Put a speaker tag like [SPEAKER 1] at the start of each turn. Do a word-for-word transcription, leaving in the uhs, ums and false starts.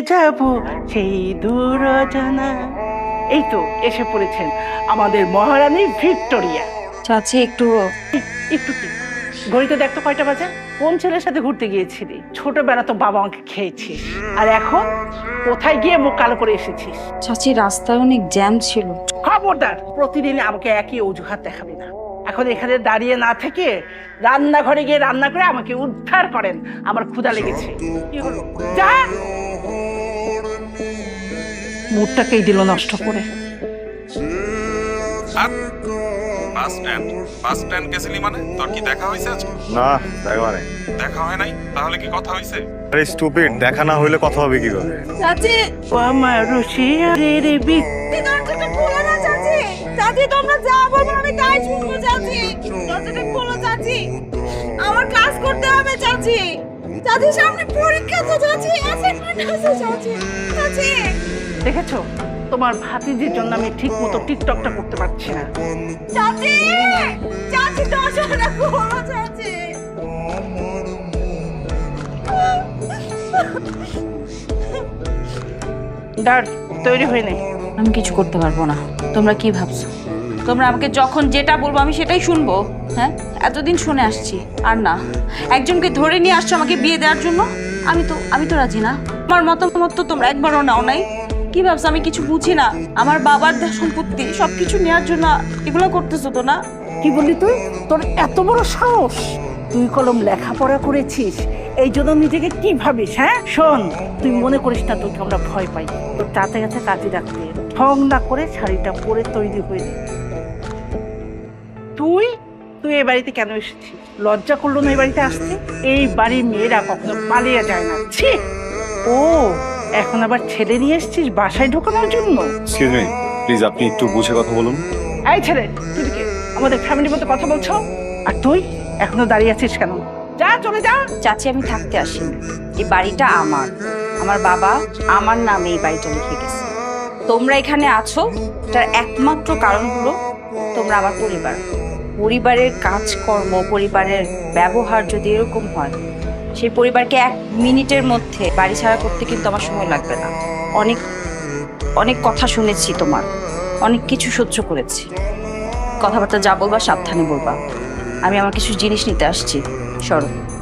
[SPEAKER 1] যাব সেই দূর অজানা। এই তো এসে পড়েছেন আমাদের মহারানী ভিক্টোরিয়া।
[SPEAKER 2] চাচি একটু
[SPEAKER 1] একটু কি ঘড়িতে দেখতো কয়টা বাজে? কোন ছেলের সাথে ঘুরতে গিয়েছিলি? ছোটবেলা তো বাবা আমাকে খেয়েছিস, আর এখন কোথায় গিয়ে মুখ কালো করে এসেছিস?
[SPEAKER 2] চাচি রাস্তায় অনেক জ্যাম ছিল।
[SPEAKER 1] খবরদার, প্রতিদিন আমাকে একই অজুহাত দেখাবি না। এখন এখানে দাঁড়িয়ে না থেকে রান্নাঘরে গিয়ে রান্না করে আমাকে উদ্ধার করেন। আমার ক্ষুধা লেগেছে। কি হলো? যা, মুডটাকেই দিল নষ্ট করে।
[SPEAKER 3] বাস স্ট্যান্ড বাস স্ট্যান্ড গেছিলি মানে? তোর কি দেখা হয়েছে আজকে?
[SPEAKER 4] না, দেখা নাই।
[SPEAKER 3] দেখা হয় নাই? তাহলে কি কথা হয়েছে?
[SPEAKER 4] আরে স্টুপিড, দেখা না হইলে কথা হবে কিভাবে?
[SPEAKER 2] চাচি
[SPEAKER 1] ও আমার রসিয়া রে বি,
[SPEAKER 2] দরজাটা খোলো না চাচি। চাচি তোমরা যা বলবো আমি তাই শুনবো চাচি। দরজাটা খোলো চাচি, আমার ক্লাস করতে হবে চাচি। চাচি সামনে পরীক্ষা তো চাচি, অ্যাসাইনমেন্ট আছে চাচি। চাচি
[SPEAKER 1] দেখেছো তোমার ভাতিজির জন্য আমি ঠিক মতো টিকটকটা করতে পারছি না।
[SPEAKER 2] চাচি চাচি দরজাটা খোলো চাচি।
[SPEAKER 1] দাঁড়, তৈরি হয়ে নেই।
[SPEAKER 2] আমি কিছু করতে পারবো না। তোমরা কি ভাবছো? তোমরা আমাকে যখন যেটা বলবো আমি সেটাই শুনবো? হ্যাঁ, এতদিন শুনে আসছি। আর না, একজনকে ধরে নিয়ে আসছো আমাকে বিয়ে দেওয়ার জন্য। আমি তো আমি তো রাজি না। আমার মতামত তো তোমরা একবারও নাও নাই। কি ভাবছো আমি কিছু বুঝি না? আমার বাবার দেহ সম্পত্তি সবকিছু নেওয়ার জন্য এগুলো করতেছো তো না?
[SPEAKER 1] কি বললি তুই? তোর এত বড় সাহস! তুই কলম লেখাপড়া করেছিস, এই জন্য নিজেকে কি ভাবিস? হ্যাঁ শোন, তুই মনে করিস না তোকে আমরা ভয় পাই। তোর চাচা গেছে কাজে রাখতে, ঠং না করে শাড়িটা পরে তৈরি হয়ে নে। তুই তুই এই বাড়িতে কেন এসেছিস? লজ্জা করলো না এই বাড়িতে আসতে? এই বাড়ির মেয়েরা কখনো পালিয়ে যায় না। ছি! ও এখন আবার ছেলে নিয়ে এসেছিস বাসায় ঢোকানোর জন্য?
[SPEAKER 4] এক্সকিউজ মি, প্লিজ আপনি একটু বুঝে কথা বলুন।
[SPEAKER 1] এই ছেলে, তুই কি আমাদের ফ্যামিলির মতো কথা বলছো? আর তুই এখনো দাঁড়িয়ে আছিস কেন? যা, চলে যা।
[SPEAKER 2] চাচি আমি থাকতে আসিনি, এই বাড়িটা আমার। আমার বাবা আমার নামে এই বাড়িটা লিখে গেছে। তোমরা এখানে আছো তার একমাত্র কারণ হলো তোমরা আমার পরিবার। পরিবারের কাজকর্ম, পরিবারের ব্যবহার যদি এরকম হয়, সেই পরিবারকে এক মিনিটের মধ্যে বাড়ি ছাড়া করতে কিন্তু আমার সময় লাগবে না। অনেক অনেক কথা শুনেছি তোমার, অনেক কিছু সহ্য করেছি। কথাবার্তা যা বলবা সাবধানে বলবা। আমি আমার কিছু জিনিস নিতে আসছি, সরো।